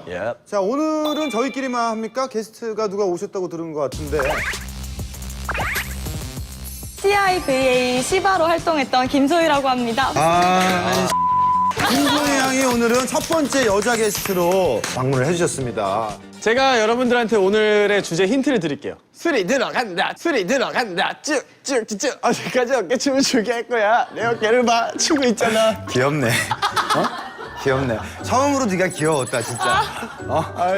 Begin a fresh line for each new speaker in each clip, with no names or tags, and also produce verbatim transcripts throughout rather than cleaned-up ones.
Yep.
자, 오늘은 저희끼리만 합니까? 게스트가 누가 오셨다고 들은 것 같은데.
씨아이브이에이 시바로 활동했던 김소희라고 합니다.
아, 김소희 양이 오늘은 첫 번째 여자 게스트로 방문을 해주셨습니다.
제가 여러분들한테 오늘의 주제 힌트를 드릴게요. 술이 들어간다, 술이 들어간다, 쭉쭉쭉쭉 어디까지 어깨춤을 추게 할 거야. 내 어깨를 봐, 추고 있잖아.
귀엽네. 어? 귀엽네. 처음으로 네가 귀여웠다, 진짜. 어?
아이,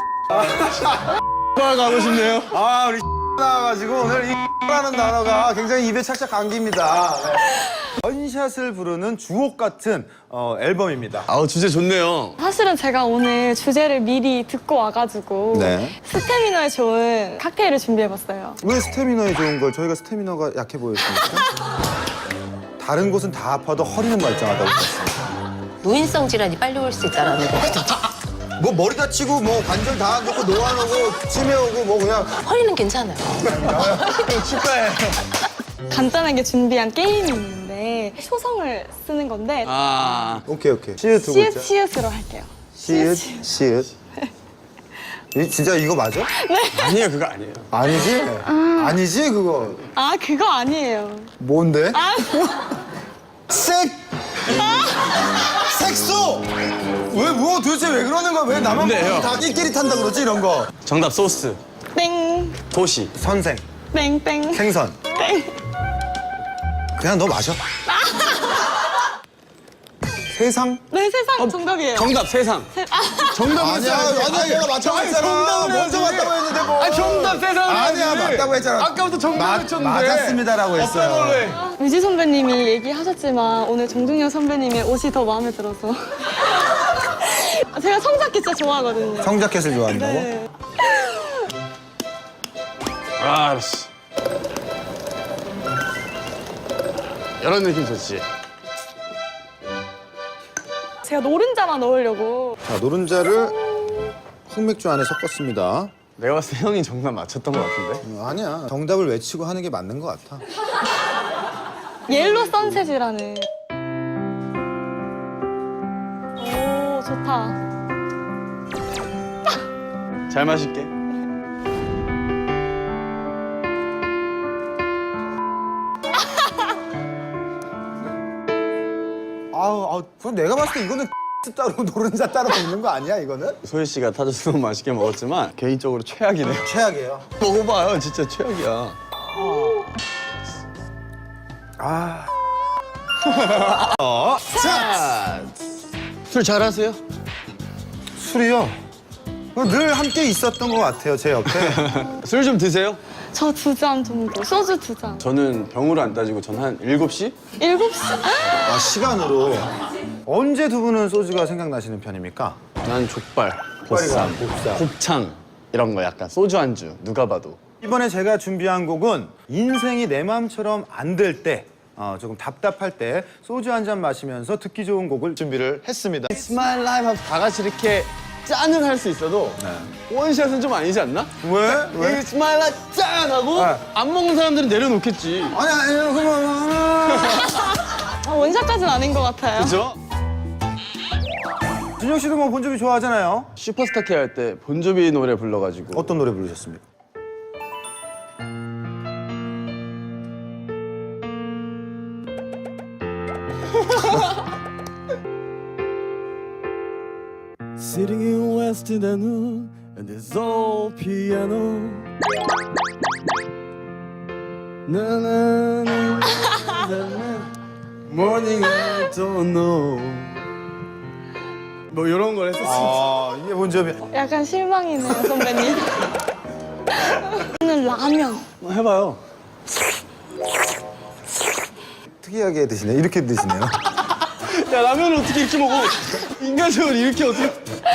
아, 가고 싶네요.
아, 우리 나와가지고 오늘 이 라는 단어가 굉장히 입에 착착 감깁니다. 네. 원샷을 부르는 주옥 같은 어, 앨범입니다.
아우, 주제 좋네요.
사실은 제가 오늘 주제를 미리 듣고 와가지고
네.
스태미너에 좋은 칵테일을 준비해봤어요.
왜 스태미너에 좋은 걸 저희가 스태미너가 약해 보였습니까? 다른 곳은 다 아파도 허리는 말짱하다고 했습니다.
노인성 질환이 빨리 올 수 있다라는 거거든요.
뭐 머리 다치고 뭐 관절 다 안 좋고 노안 오고 치매 오고 뭐 그냥
허리는 괜찮아요.
축하해.
간단하게 준비한 게임이 있는데 초성을 쓰는 건데
아,
오케이 오케이. 시읒 두
시읒
글자.
시읒으로 할게요.
시읒 시읒. 이, 진짜 이거 맞아?
아니에요, 그거 아니에요.
아니지? 아니지 그거.
아 그거 아니에요.
뭔데?
아
색! 색소! 왜, 뭐 도대체 왜 그러는 거야? 왜 나만
근데 형.
다 끼리끼리 탄다 그러지, 이런 거?
정답 소스,
땡,
도시.
선생,
땡, 땡,
생선.
땡.
그냥 너 마셔. 세상?
네 세상 정답이에요.
정답 세상. 정답
아니야, 아니야, 얘가 맞다고 했잖아. 먼저 맞다고 했는데 뭐.
아, 정답 세상.
아니야, 맞다고 했잖아.
아까부터 정답
맞-
외쳤는데.
맞았습니다라고 했어요.
유지 선배님이 얘기하셨지만 오늘 정중영 선배님의 옷이 더 마음에 들어서 제가 성작기 진짜 좋아하거든요.
성자켓을 좋아한다고?
네.
아, 알았어. 이런 느낌 좋지.
제가 노른자만 넣으려고.
자, 노른자를 흑맥주 안에 섞었습니다.
내가 봤을 때 형이 정답 맞췄던 것 같은데?
어, 아니야, 정답을 외치고 하는 게 맞는 것 같아.
옐로 선셋이라는. 오 좋다.
잘 마실게.
아우, 아우, 그럼 내가 봤을 때 이거는 따로 노른자 따로 먹는 거 아니야, 이거는?
소희 씨가 타줘서 너무 맛있게 먹었지만 개인적으로 최악이네요.
최악이에요.
먹어봐요, 진짜 최악이야.
아.
어, 자, 술 잘하세요?
술이요? 늘 함께 있었던 것 같아요, 제 옆에.
술 좀 드세요?
저 두 잔 정도. 소주 두 잔.
저는 병으로 안 따지고 전 한 일곱 시?
일곱 시.
아, 시간으로. 언제 두 분은 소주가 생각나시는 편입니까?
난 족발,
족발이가
보쌈,
보쌈.
곱창 이런 거 약간 소주 안주 누가 봐도.
이번에 제가 준비한 곡은 인생이 내 마음처럼 안 될 때, 어, 조금 답답할 때 소주 한 잔 마시면서 듣기 좋은 곡을 준비를 했습니다.
It's my life 하면서 다 같이 이렇게 짠을 할 수 있어도 원샷은 좀 아니지 않나?
왜? 왜?
It's my life 짠 하고
네.
안 먹는 사람들은 내려놓겠지.
아니, 아니요, 그만.
아, 원샷까지는 아닌 것 같아요.
그죠?
준영 씨도 뭐 본조비 좋아하잖아요.
슈퍼스타 K 할 때 본조비 노래 불러가지고
어떤 노래 부르셨습니까?
Sitting in West Indian and this old piano. Na na na na na. Morning I don't know. 뭐 이런 걸 했었어.
아, 이게 본조비.
약간 실망이네요 선배님. 저는 라면.
뭐 해봐요.
특이하게 드시네. 이렇게 드시네요.
야, 라면을 어떻게 이렇게 먹어? 인간적으로 이렇게 어떻게?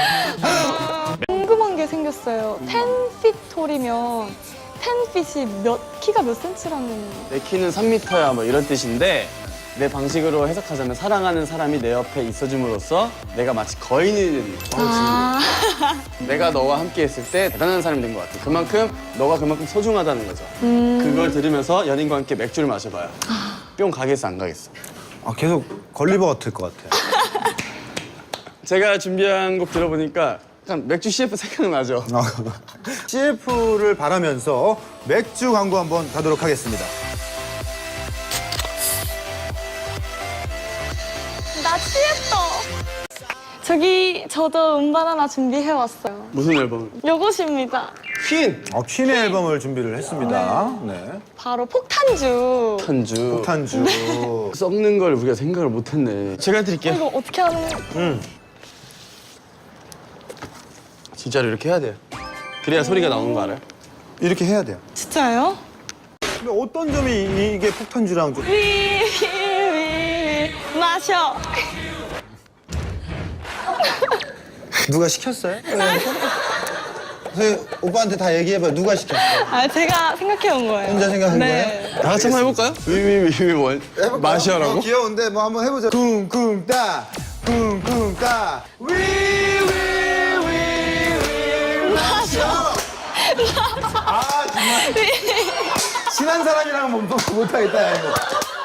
궁금한 게 생겼어요. 텐피톨이면 텐핏이 몇 키가 몇 센치라는.
내 키는 삼 미터야 뭐 이런 뜻인데 내 방식으로 해석하자면 사랑하는 사람이 내 옆에 있어줌으로써 내가 마치 거인이 되는 거야.
아.
내가 너와 함께 했을 때 대단한 사람이 된 것 같아. 그만큼 너가 그만큼 소중하다는 거죠.
음.
그걸 들으면서 연인과 함께 맥주를 마셔봐요. 뿅 가겠어 안 가겠어?
아, 계속 걸리버 같을 것 같아요.
제가 준비한 곡 들어보니까 약간 맥주 씨에프 생각나죠?
씨에프를 바라면서 맥주 광고 한번 가도록 하겠습니다.
나 취했어. 저기 저도 음반 하나 준비해 왔어요.
무슨 앨범?
요것입니다.
퀸!
어, 퀸의 앨범을 준비를 했습니다. 네.
바로 폭탄주.
탄주.
폭탄주.
썩는 걸 우리가 생각을 못했네. 제가 드릴게요.
이거 어떻게 하는 거야?
진짜로 이렇게 해야 돼요. 그래야 소리가 나오는 거 알아요?
이렇게 해야 돼요.
진짜요?
근데 어떤 점이 이- 이게 폭탄주랑 좀...
위위위 마셔.
누가 시켰어요? 선생님, 오빠한테 다 얘기해봐요. 누가 시켰어요?
아 제가 생각해 온 거예요.
혼자 생각한
네.
다 같이 한번 해볼까요? 위위위위 원. 마시아라고?
어, 귀여운데 뭐 한번 해보자. 쿵쿵 따, 쿵쿵 따. 위위위위 마셔. 아 정말. 친한 사람이랑 못 못하겠다 야, 이거.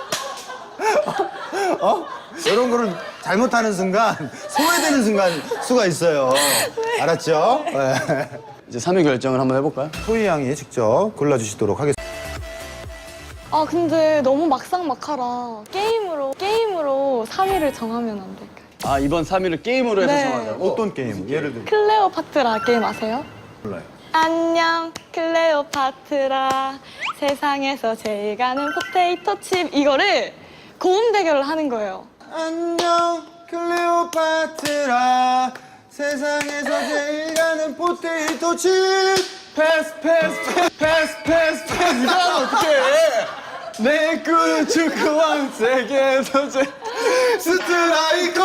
어? 이런 거를 잘못하는 순간 소외되는 순간 수가 있어요. 알았죠? 네.
이제 삼 위 결정을 한번 해볼까요?
소희 양이 직접 골라주시도록 하겠습니다.
아 근데 너무 막상막하라. 게임으로 게임으로 삼 위를 정하면 안 될까요?
아 이번 삼 위를 게임으로 해서
네.
정하자고?
어떤 게임? 예를 들면
클레오파트라 게임 아세요?
몰라요.
안녕 클레오파트라 세상에서 제일 가는 포테이토 칩 이거를 고음 대결을 하는 거예요.
안녕 클레오파트라 세상에서 제일 가는 포테이토 칩
패스 패스 패스 패스 패스 패스 이거 하면 어떡해 내 꿈은 축구왕 세계에서 제
스트라이커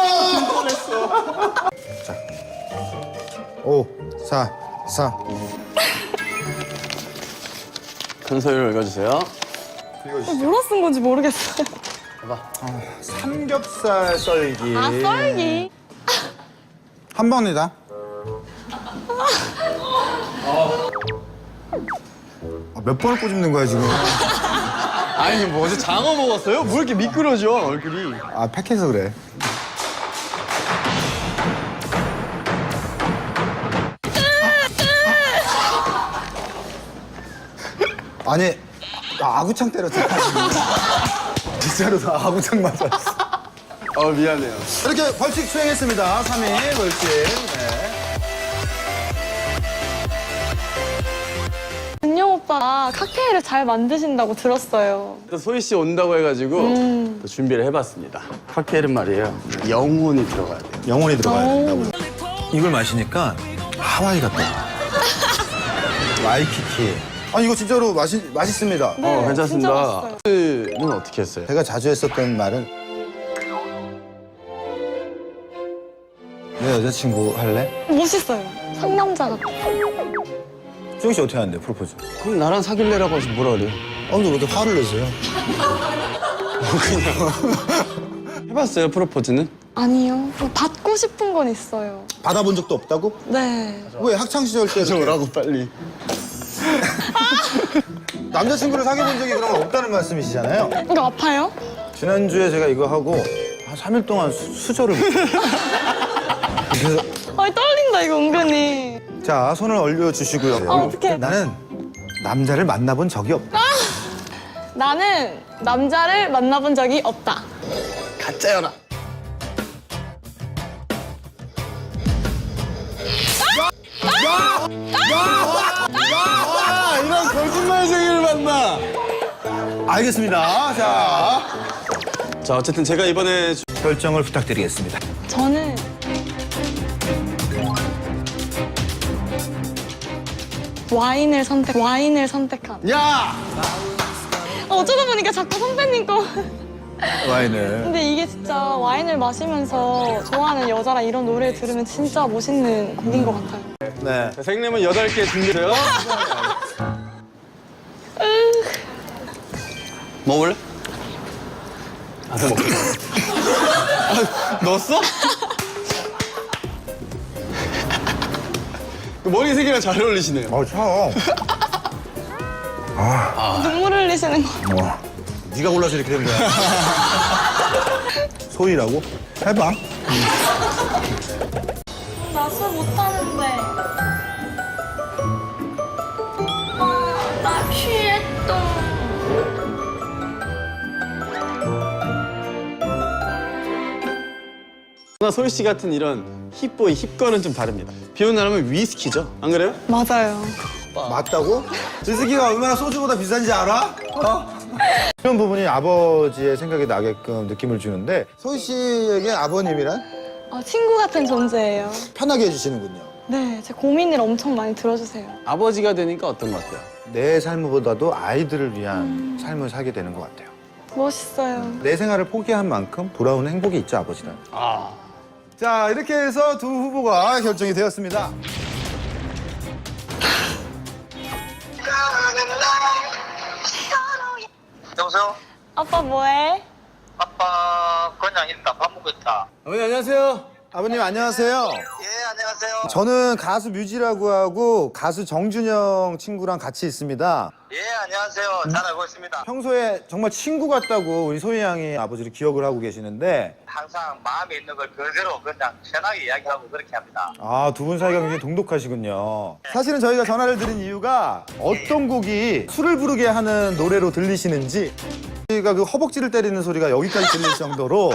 오, 사, 사
큰 소리로 읽어주세요.
뭐라 쓴 건지 모르겠어요.
삼겹살 썰기
아 썰기.
한 번이다. 아, 몇 번을 꼬집는 거야 지금?
아니 뭐 어제 장어 먹었어요? 뭐 이렇게 미끄러져 얼굴이.
아 팩해서 그래. 아니 나 아구창 때렸잖아. 진짜로 나 아구창 맞았어.
어 미안해요.
이렇게 벌칙 수행했습니다. 삼 위 벌칙. 네.
은영 오빠가 칵테일을 잘 만드신다고 들었어요.
또 소희 씨 온다고 해가지고
음.
또 준비를 해봤습니다. 칵테일은 말이에요 영혼이 들어가야 돼요.
영혼이 들어가야
오.
된다고. 이걸 마시니까 하와이 같다. 와이키키. 아 이거 진짜로 맛이 맛있습니다.
네,
어
진짜
괜찮습니다.
맛있어요.
는 어떻게 했어요?
제가 자주 했었던 말은 내 여자친구 할래?
멋있어요. 상남자 같아.
수영 씨 어떻게 하는데 프로포즈?
그럼 나랑 사귈래라고 하시 뭐라 그래요?
아 근데 왜 이렇게 화를 내세요?
해봤어요 프로포즈는?
아니요. 받고 싶은 건 있어요.
받아본 적도 없다고?
네.
왜 학창 시절 때 이렇게
오라고 빨리.
남자친구를 사귀어본 적이 그러면 없다는 말씀이시잖아요.
이거 아파요?
지난주에 제가 이거 하고 한 삼 일 동안 수, 수저를 못해요. 그래서
아 떨린다 이거 은근히.
자 손을 얼려주시고요.
아, 어떡해.
나는 남자를 만나본 적이 없다.
나는 남자를 만나본 적이 없다.
가짜여라. 아, 이런 거짓말쟁이를 만나.
알겠습니다. 자
자 어쨌든 제가 이번에 주-
결정을 부탁드리겠습니다.
저는 와인을 선택 와인을 선택한.
야
어쩌다 보니까 자꾸 선배님 거.
와인을.
근데 이게 진짜 와인을 마시면서 좋아하는 여자랑 이런 노래를 들으면 진짜 멋있는 곡인 것 같아요.
네.
생님은 여덟 개 준비돼요. 먹을래? 아, 너 먹자. 아, 넣었어? 그 머리 색이랑 잘 어울리시네요.
어 차.
눈물 흘리시는 거.
와. 네가 골라서 이렇게 된 거야. 소희라고? 해봐.
나 술 못하는데. 아, 나 취했어.
나 소희 씨 같은 이런 힙보이 힙거는 좀 다릅니다. 비 오는 날하면 위스키죠. 안 그래요?
맞아요.
맞다고? 위스키가 얼마나 소주보다 비싼지 알아? 어? 이런 부분이 아버지의 생각이 나게끔 느낌을 주는데 소희 씨에게 아버님이란
아, 친구 같은 존재예요.
편하게 해주시는군요.
네, 제 고민을 엄청 많이 들어주세요.
아버지가 되니까 어떤 것 같아요?
내 삶보다도 아이들을 위한 삶을 살게 되는 것 같아요.
멋있어요.
내 생활을 포기한 만큼 돌아오는 행복이 있죠, 아버지는.
아.
자, 이렇게 해서 두 후보가 결정이 되었습니다.
여보세요?
아빠 뭐해?
아빠 그냥 있다. 밥 먹고 있다.
어머니 안녕하세요.
아버님, 안녕하세요.
예, 안녕하세요.
저는 가수 뮤지라고 하고 가수 정준영 친구랑 같이 있습니다.
예, 안녕하세요. 잘 알고 있습니다.
평소에 정말 친구 같다고 우리 소희 양이 아버지를 기억을 하고 계시는데
항상 마음에 있는 걸 그대로 그냥 편하게 이야기하고 그렇게 합니다.
아, 두 분 사이가 굉장히 동독하시군요. 사실은 저희가 전화를 드린 이유가 어떤 곡이 술을 부르게 하는 노래로 들리시는지 저희가 그 허벅지를 때리는 소리가 여기까지 들릴 정도로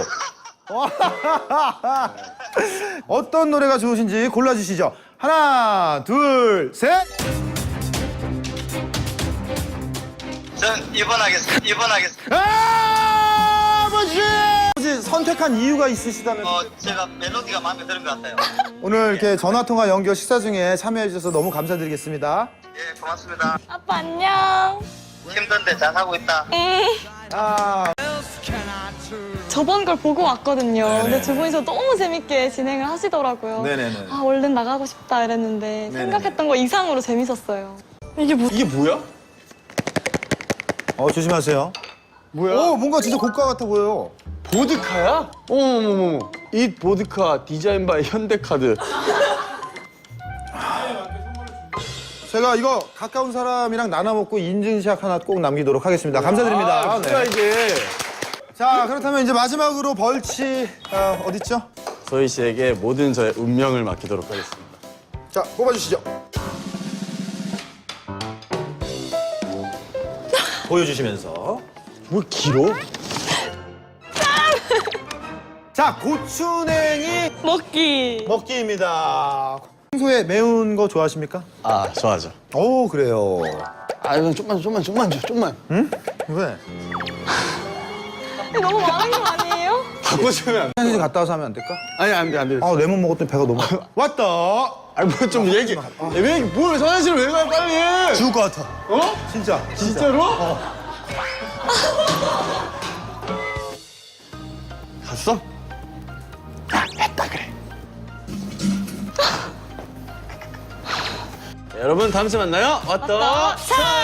어떤 노래가 좋으신지 골라주시죠. 하나, 둘, 셋!
전 입원하겠습니다. 입원하겠습니다.
아, 아버지! 아버지 선택한 이유가 있으시다면
어, 제가 멜로디가 마음에 드는 것 같아요.
오늘 이렇게 전화통화 연결 식사 중에 참여해 주셔서 너무 감사드리겠습니다.
예, 고맙습니다.
아빠 안녕.
힘든데 잘 하고 있다.
음.
아,
저번 걸 보고 왔거든요. 근데 두 분이서 너무 재밌게 진행을 하시더라고요.
네네네.
아, 얼른 나가고 싶다 이랬는데 생각했던 거 이상으로 재밌었어요. 이게 뭐?
이게 뭐야?
어, 조심하세요.
뭐야?
오, 뭔가 진짜 고가 같아 보여요.
보드카야? 어머머머. 이 보드카 디자인 바이 현대카드.
제가 이거 가까운 사람이랑 나눠 먹고 인증샷 하나 꼭 남기도록 하겠습니다. 감사드립니다.
아, 뭐야
네.
이게?
자, 그렇다면 이제 마지막으로 벌칙 어, 어딨죠?
소희 씨에게 모든 저의 운명을 맡기도록 하겠습니다.
자, 뽑아주시죠. 보여주시면서.
뭐 길어?
자, 고추냉이
먹기.
먹기입니다. 평소에 매운 거 좋아하십니까?
아 좋아하죠.
오, 그래요.
아 이건 좀만 좀만 좀만 줘 좀만.
응? 왜?
이거 너무 많은 거 아니에요?
바꿔주면 안 돼.
화장실 갔다 와서 하면 안 될까?
아니 안돼 안돼.
아, 레몬 먹었더니 배가 너무 왔다.
아니 뭐 좀 얘기. 왜뭘 화장실을 왜 가요 빨리?
죽을 것 같아.
어?
진짜. 진짜.
진짜로? 갔어? 아 했다 그래. 여러분 다음 주에 만나요. 왔다.
차!